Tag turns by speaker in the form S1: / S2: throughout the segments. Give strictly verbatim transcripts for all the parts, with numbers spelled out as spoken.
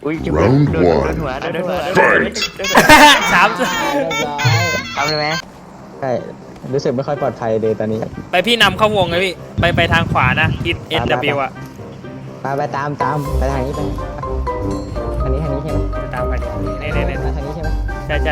S1: อุ้ย
S2: Round
S1: โดนโดน
S2: one
S1: หัวโดนหัว
S2: Fight
S3: สาม
S4: เรียบร้อย
S1: ทำเลยไหม
S4: ใช่รู้สึกไม่ค่อยปลอดภัยเลยตอนนี้
S3: ไปพี่นำเข้าวงเลยพี่ไปไปทางขวานะทิศ เอส ดับเบิลยู อ่ะ
S4: ไปไปตามตามไปทางนี้ไปทางนี้ทางนี้ใช่ไหม
S3: ตามไปดินี่นี่นี่
S4: ไปทางนี้ใช่ไหม
S3: ใช่ใช่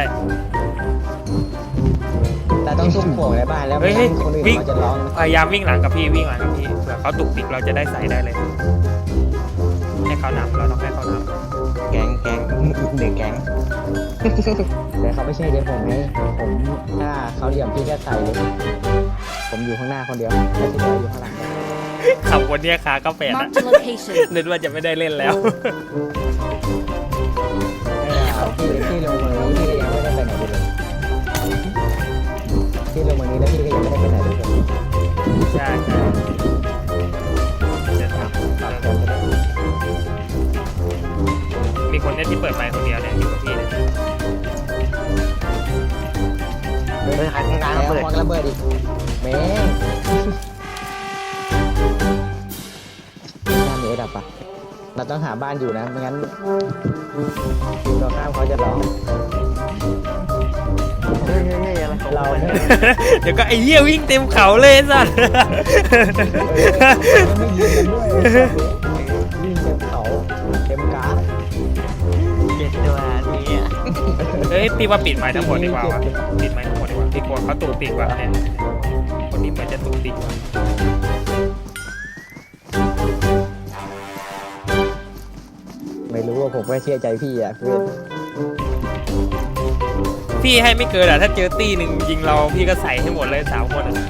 S4: แต่ต้องซุ่มโผล่ในบ้านแล้ว
S3: เฮ้
S4: ไม่
S3: ย
S4: งั้นคนอื่น
S3: วิ่ง
S4: เขาจะร้อง
S3: พยายามวิ่งหลังกับพี่วิ่งหลังกับพี่เผื่อเขาตุกติกเราจะได้ใส่ได้เลยให้เขานำเราต้องให้เขาน
S1: แก๊งแก๊งหนึ่งแก๊ง
S4: แต่เขาไม่ใช่เดี๋ยวผมไงผมถ้าเขาเหลี่ยมพี่ก็ใส่เลยผมอยู่ข้างหน้าคนเดียวแล้วที่เหลืออยู่ข้างหลัง
S3: ำขับวนเนี่ยขาก็แปดอะ
S5: Marked a location.
S3: นึกว่าจะไม่ได้เล่นแล้ว
S4: พี่พี่ลงมานี้พี่ก็ยังไม่ได้ไปไหนเลยพี่ลงมานี้แล้วพี่ก็ยังไม่ได้ไปไหนเลย
S3: ใช่ใช่จะทำมีคนเนี่ยที่เปิดไมค์คนเดียวเนี่ยอยู่กับพี่เนี่ย
S1: เฮ้ยใครข้างล่าง
S4: แล้ว
S1: เปิด
S4: ควักระเบิดอีกแม่งหน้ามีไอ้ดับปะเราต้องหาบ้านอยู่นะไม่งั้นทีมเราข้ามเขาจะร้อง
S1: เฮ้ยเฮ้ยเฮ้ยอะไรของ
S4: เรา
S1: มัน
S4: เนี่ย
S3: เดี๋ยวก็ไอ้เหี้ยวิ่งเต็มเขาเลยสัส
S4: ไม่ยิงกันด้วยวิ่งเต็มเขาเต็มกราฟ
S1: เจ็ดตัวนี้อ่ะ
S3: เฮ้ยพี่ว่าปิดไมค์ทั้งหมดดีกว่าวะปิดไมค์ทั้งหมดดีกว่าพี่กลัวเขาตุกติกว่ะเนี่ยคนนี้เหมือนจะตุกติกว่ะ
S4: ไม่รู้ว่าผมไม่เชื่อใจพี่อ่ะเพื่อน
S3: พี่ให้ไม่เกินอ่ะถ้าเจอตีหนึ่งยิงเราพี่ก็ใส่ให้หมดเลยสามคนอ่ะ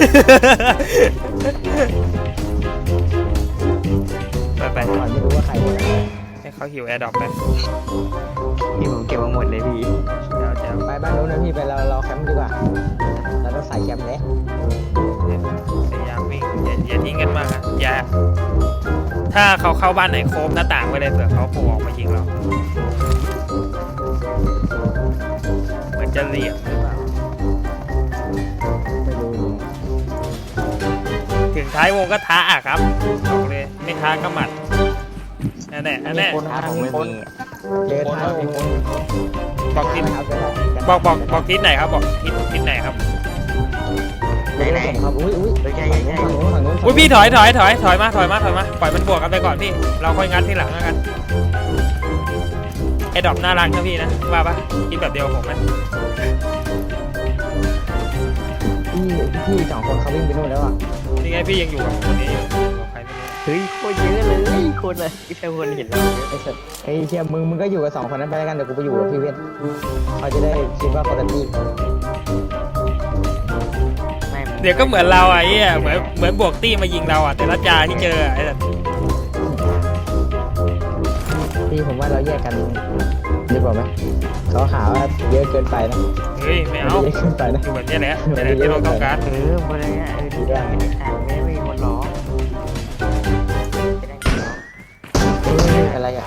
S3: ไปไป
S4: ก่อนไม่รู้ว่าใครเป็นอะไร
S3: ให้เขาหิวแอร์ดรอปไป
S1: พี่ผมเก็บมาหมดเลยพี่
S3: เดี๋ยวเดี๋ยว
S4: ไปบ้านนู้นนะพี่ไปเราเราแคมป์ดีกว่าเราต้องใส่แคมป์เลย
S3: พยายามวิ่งอย่าอย่าทิ้งกันมากอ่ะอย่าถ้าเขาเข้าบ้านไหนโคมหน้าต่างไปเลยเผื่อเขาโผล่ออกมายิงเราเหมือนจะเหลี่ยมหรือเปล่า
S4: ไม่รู้
S3: ถึงท้ายวงก็ท้าอ่ะครับบอกเลยไม่ท้าก็หมัดนั่นแหละนั่นแหละ
S1: ถ้าผมไม่มี
S4: เจอท้ายมีคน
S3: บอกทิศ
S4: ครับ
S3: บอกบอกบอกทิศไหนครับบอกทิศทิศไหนครับ
S1: ไหนไหน
S4: ครับอุ้ยอุ้ย
S1: เฮ้ยใช่ใช่ใช่
S4: ฝั่งนู้นฝั่งนู้น
S3: อุ้ยพี่ถอยถอยถอยถอยมาถอยมาถอยมาปล่อยมันบวกกันไปก่อนพี่เราค่อยงัดทีหลังแล้วกันไอ้ดอกน่ารักนะพี่นะว่าปะคิดแบบเดียวกับผมไหม
S4: พี่พี่สองคนเขาวิ่งไปนู่นแล้วอ่ะ
S3: นี่ไงพี่ยังอยู่กับคนนี้อยู่กับใครไม่รู้
S1: เฮ้ยโคตรเยอะเลยคนเลยที่ใครคนเห็นเราเยอะ
S4: ไอ้สัสไอ้เชี่ยมึงมึงก็อยู่กับสองคนนั้นไปแล้วกันเดี๋ยวกูไปอยู่กับพี่เวทเขาจะได้คิดว่าคนละที่
S1: ไม่
S3: เดี๋ยวก็เหมือนเราอ่ะไอ้เหี้ยเหมือนเหมือนบวกตี้มายิงเราอ่ะแต่ละจาที่เจอไอ้แบบ
S4: พี่ผมว่าเราแยกกันดีกว่าไหมเขาหาว่าเยอะเกินไปนะ
S3: เฮ้ยไม่เอา
S4: เยอะเกินไปนะ
S3: อยู่แบบนี้แหละนี่แหละที่เราต้องการ
S1: เออคนนี้เออดีได้ไม่ได้ขาดไม่ไม่มีคนร้องไม่ได้คนร้อง
S4: เฮ้ยอะไรอ่ะ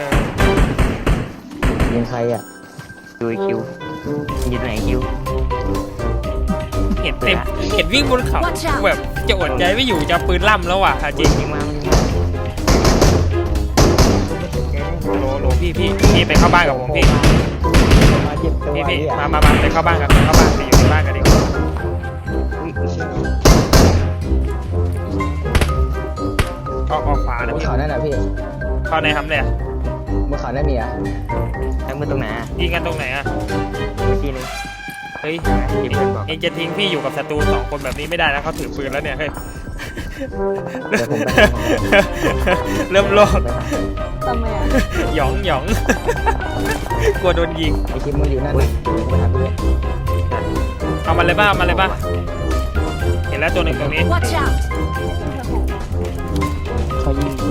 S4: ยิงใครอ่ะ
S1: ดูคิวยืนไหนคิว
S3: เห็นเต็มเห็นวิ่งบนเขาแบบจะอดใจไม่อยู่จะปืนล่ำแล้วว่ะจริง
S1: ยิงมายิงมา
S3: โหลโหลพี่พี่พี่ไปเข้าบ้านกับผมพี่
S4: มาเจ็บตัว
S3: พี่พี่
S4: เนี่ย
S3: มามามาไปเข้าบ้านกันไปเข้าบ้านไปอยู่ในบ้านกันดีกว่าออกออกขวานะ
S4: บน
S3: พี่
S4: เขานั่นนะพี่
S3: เข้าในทำเลยอะ
S4: บนเขานั่นมีอ่ะ
S1: ทั้งมือตรงไหนอ่ะ
S3: ยิงกันตรงไหนอ่ะ
S1: ทีนึง
S3: เฮ้ย
S1: ที่เพื่อนบอก
S3: เองจะทิ้งพี่อยู่กับศัตรูสองคนแบบนี้ไม่ได้นะเขาถือปืนแล้วเนี่ยเฮ้ย
S4: เดี๋ยวผมไปหาของ
S3: เริ่มโลด
S5: ทำไมอ่ะ
S3: หยองหยอง กลัวโดนยิง
S4: ไอคิมมึงอยู่นั่นนะผมไปหาพี่เวท
S3: เอามันเลยบ้ามันเลยบ้าเห็นแล้วตัวหนึ่งตรงนี้
S5: Watch out.
S4: เขายิงตัว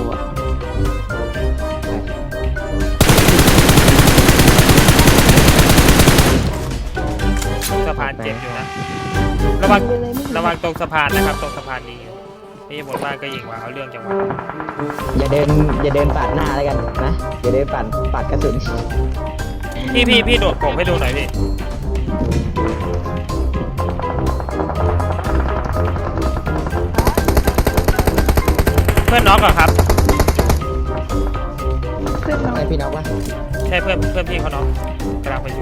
S3: สะพานเจ็บอยู่นะระวังระวังตรงสะพานนะครับตรงสะพานนี้นี่บนบ้านก็ยิงว่าเอาเรื่องจังหวะ
S4: อย่าเดินอย่าเดินปาดหน้าแล้วกันนะอย่าเดินปาดปาดกระสุน
S3: พี่พี่พี่โดดผมให้ดูหน่อยพี่เพื่อนน็อกเหรอครับ
S5: ขึ้น
S4: ใช่พี่น้องวะ
S3: ใช่เพื่อนเพื่อนพี่เขาน้องกำลังไปอยู่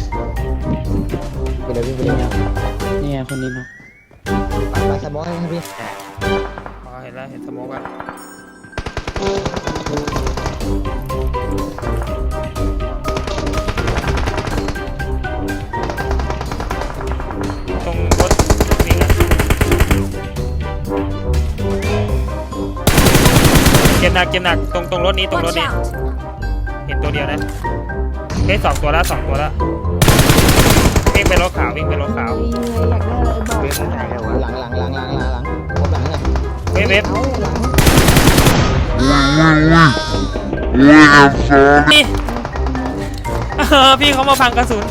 S4: เดี๋ยววิ่งไปเล่นนะ
S2: นี่ไงคนนี้เนาะ
S4: ปัดปัดสมองให้พี่
S3: อ๋อเห็นแล้วเห็นสโมกอ่ะตรงรถวิ่งอ่ะเก็บหนักเก็บหนักตรงตรงรถนี้ตรงรถ
S5: Watch
S3: นี้
S5: out!
S3: เห็นตัวเดียวนะเฮ้ยสองตัวแล้วสองตัวแล้ววิ่งไปรถขาววิ่งไปรถขาว
S5: อยากได้อะไรบอก
S1: เว็บมันไหนแล้ววะ
S4: หลังหลังหลังหลังหลังหลังครบหลังเลย
S3: เว็บเว็บ
S4: เอาหลัง
S3: นี่เออพี่เขามาพังกระสุน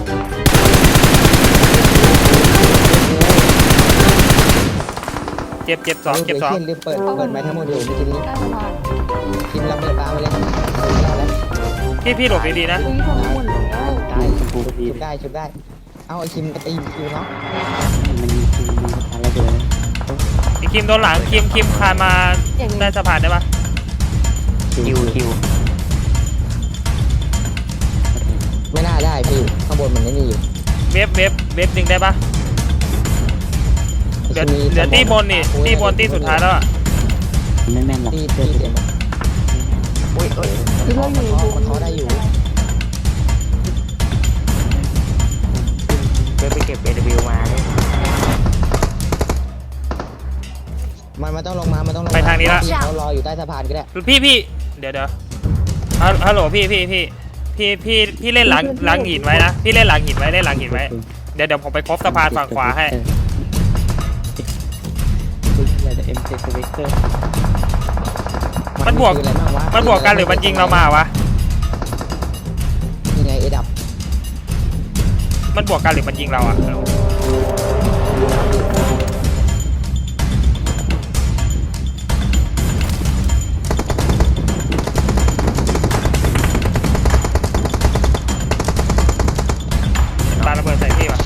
S3: เจ็บเจ็บสองเจ็บสอง
S4: ลืมเปิดเปิดไม้ทั้งหมดอยู่เมื่อกี้นี้
S5: ใต้สะพาน
S4: ทีมระเบิดปาไปเลย
S3: พี่พี่หลบดีๆนะ
S5: อุ้ยทำหมดแล้ว
S4: ได้ชุบได้ชุบได้เอาไอคิมกระตีคิวเนาะ
S2: มันมีคือมีสะพานแล้วเดี๋ยวนะ
S3: ไอ้คิมโดนหลังคิมคิมคานมาได้สะพานได้ปะ
S1: คิวคิว
S4: ไม่น่าได้พี่ข้างบนมันไม่มีอยู่
S3: เว็บเว็บเว็บดึงได้ปะเหลือเหลือตีบนนี่ตีบนตีสุดท้ายแล้วอะ
S2: ไม่แม่นหรอก
S4: ตี
S2: เพื่
S4: ตี
S2: อน
S4: เต็ม
S1: อุ้ยอุ้ย
S5: คิดว่าอยู่
S4: มันเขาได้อยู่
S1: เว็บไปเก็บ เอ ดับเบิลยู มาเนี่ย
S4: มันมันต้องลงมามันต้องลงเขารออยู่ใต้สะพานก็ได้
S3: พี่พี่เดี๋ยวเดี๋ยวฮัลฮัลโหลพี่พี่พี่พี่พี่พี่เล่นหลังหลังหินไว้นะพี่เล่นหลังหินไว้เล่นหลังหินไว้เดี๋ยวเดี๋ยวผมไปครบสะพานฝั่งขวาให้
S2: คืออะไรแต่เอ็มเซสเวกเตอร์
S3: มันบวกมันบวกกันหรือมันยิงเรามาวะ
S4: ยังไงเอดับ
S3: มันบวกกันหรือมันยิงเราอะปาระเบิดใส่พี่วะ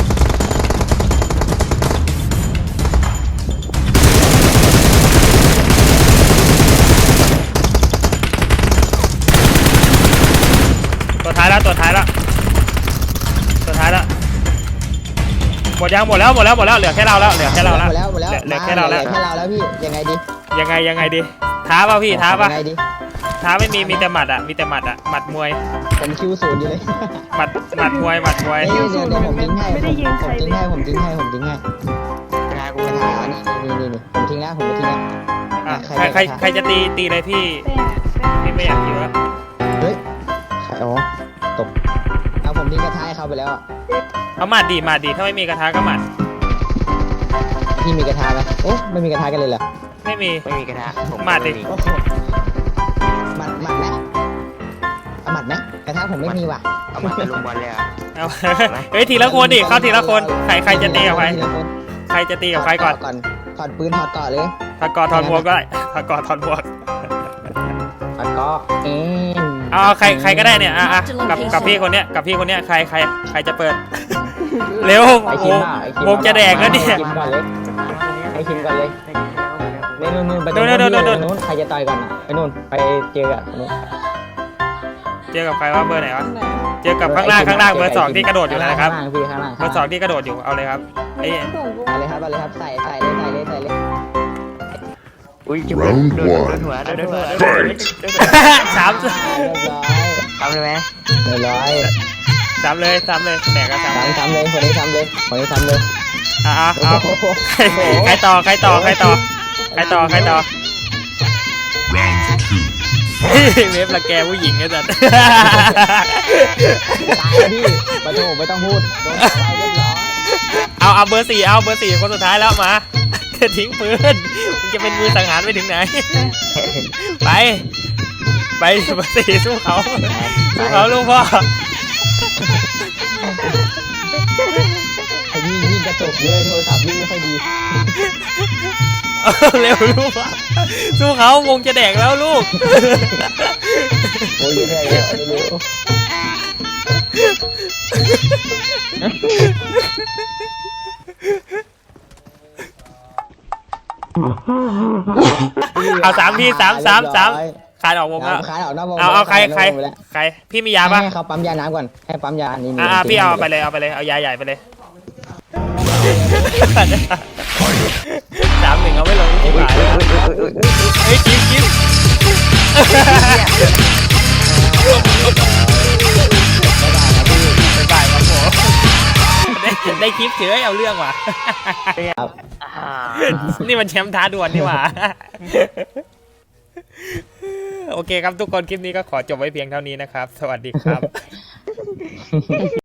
S3: ตัวท้ายแล้วตัวท้ายแล้วตัวท้ายแล้วหมดยังหมดแล้วหมดแล้วหมดแล้วเหลือแค่เราแล้วเหลือแค่เราแล้ว
S4: หมดแล้วหมดแล้ว
S3: เหลือแค่เราแล้ว
S4: แค่เราแล้วพี่ยังไงดี
S3: ยังไงยังไงดีท้าป่ะพี่ท้าป่ะ
S4: ยังไงดี
S3: ท้าไม่มีมีแต่หมัดอะมีแต่หมัดอะหมัดมวย
S4: ผมคิวศูนย์อยู่เลย
S3: หมัดหมัดมวยหมัดมวย
S4: เดี๋ยวเดี๋ยวผมทิ้งให้ผมทิ้งให้ผมทิ้งให้ผมทิ้งให้
S1: กระทากู
S4: ก
S1: ก
S4: ระ
S1: ระ
S4: ทา
S1: ทา
S4: อันนี้นี่นี่นี่ผมทิ้งแล้วผมไม่ทิ้งแล้ว
S3: อ่ะใครใครใครจะตีตีเลยพี่
S5: แป้ง
S3: พี่ไม่อยากอยู่แล้ว
S4: เฮ้ยใครอ๋อตกเอาผมทิ้งกระทาให้เขาไปแล้ว
S3: เอาหมัดดีหมัดดีถ้าไม่มีกระทะก็หมัด
S4: พี่มีกระทาไหมเอ๊ะไม่มีกระทากันเลยเหรอ
S3: ไม่มี
S1: ไม่มีกระทาผม
S3: มาดิ
S1: ไ
S4: โอ้โหหมัดหมัดไหมเอาหมัดไหมกระทาผมไม่มีว่ะ
S1: เอามาตะลุมบอลเลยเหรอ่ะ
S3: เอา เฮ้ยทีละคนดิเข้าทีละคนใครใครจะตีกับใคร
S4: ทีละน
S3: ใครจะตีกับใครก่อน
S4: ก่อนถอดปืนถอดเกาะเลย
S3: ถ้ากอถอนหมวกก็ได้ถ้ากอถอนหมวก
S4: ถอดเกาะเอง
S3: เอาเอาใครใครก็ได้เนี่ยอ่ะอ่ะกับกับพี่คนเนี้ยกับพี่คนเนี้ยใครใครใครจะเปิด เร็ว
S4: ไอ
S3: โอ้
S4: คิ
S3: โห
S4: มอ่ะไอคิม
S3: วงจะแดกแล้วเนี่ย
S4: ไอคิมก่อนเลยไอคิมก่อนเลยนี่นู่นนู่นไปตรง
S3: โด
S4: นู้
S3: น
S4: น
S3: โดนโดน
S4: นู้นใครจะต่อยก่อนอ่ะไปนู่นไปเจอกับนู้น
S3: เจอกับใครว่าเบอร์ไหนวะเจอกับข้างล่างข้างล่างเบอร์สองที่กระโดดอยู่นะครับ
S4: ข้างล่างพี่ข้างล่าง
S3: เบอร์สองที่กระโดดอยู่เอาเลยครับไอ้
S4: เอาเลยครับเอาเลยครับใส่ใส่เลยใส่เลยใส่เลย
S1: อุ้ยจะโดนโดนโดนหัวโดนโดนหัวโดนหัวโดนหัว
S3: สาม
S4: เรียบร้อย
S1: ทำเลยไหม
S4: เรียบร้อย
S3: สามเลยสามเลยแตกก็สาม
S4: ทำทำเลยคนนี้ทำเลยคนนี้ทำเลย
S3: อ่ะอ่ะ
S4: โอ้
S3: เอา
S4: โห
S3: ใครใครต่อใครต่อใครต่อใครต่อใครต่อ เว็บละแกผู้หญิงไอ้สัส
S4: ตายแล้วพี่ปะโถไม่ต้องพูดโดนตายเรียบร้อย
S3: เอาเอาเบอร์สี่เอาเบอร์สี่คนสุดท้ายแล้วมาจะทิ้งปืนมึงจะเป็นมือสังหารไปถึงไหน ไปไปเบอร์สี่สู้เขาสู้เขาลูกพ่อ
S4: ไอ้ยิ่งยิ่งกระจกเยอะโทรศัพท์ยิ่งไม่ค่อยดี
S3: เอาเร็วลูกพ่อสู้เขาวงจะแดกแล้วลูก
S4: โอ้ยเยอะเลยเร็ว
S3: เอาสามทีสามสามสามคานออกวงแล้ว
S4: ขายออกนอกวง
S3: เอาเอาใคร
S4: ขยก
S3: ใคร
S4: วงไปแล้ว
S3: ใครพี่มียาปะ
S4: ให้เขาปั๊มยาน้ำก่อนให้ปั๊มยานี่
S3: อ่า
S4: นี่
S3: พี่เอาไปเลยเอาไปเลยเอายาใหญ่ไปเลยสามหนึ่งเอาไม่ลงที่หายเฮ้ยจิ๊บจิ๊บบ๊ายบายครับผมได้ได้คลิปเฉยเอาเรื่องว่ะ
S4: ครับ
S3: นี่มันแชมป์ท้าดวลนี่หว่า โอเคครับทุกคนคลิปนี้ก็ขอจบไว้เพียงเท่านี้นะครับ สวัสดีครับ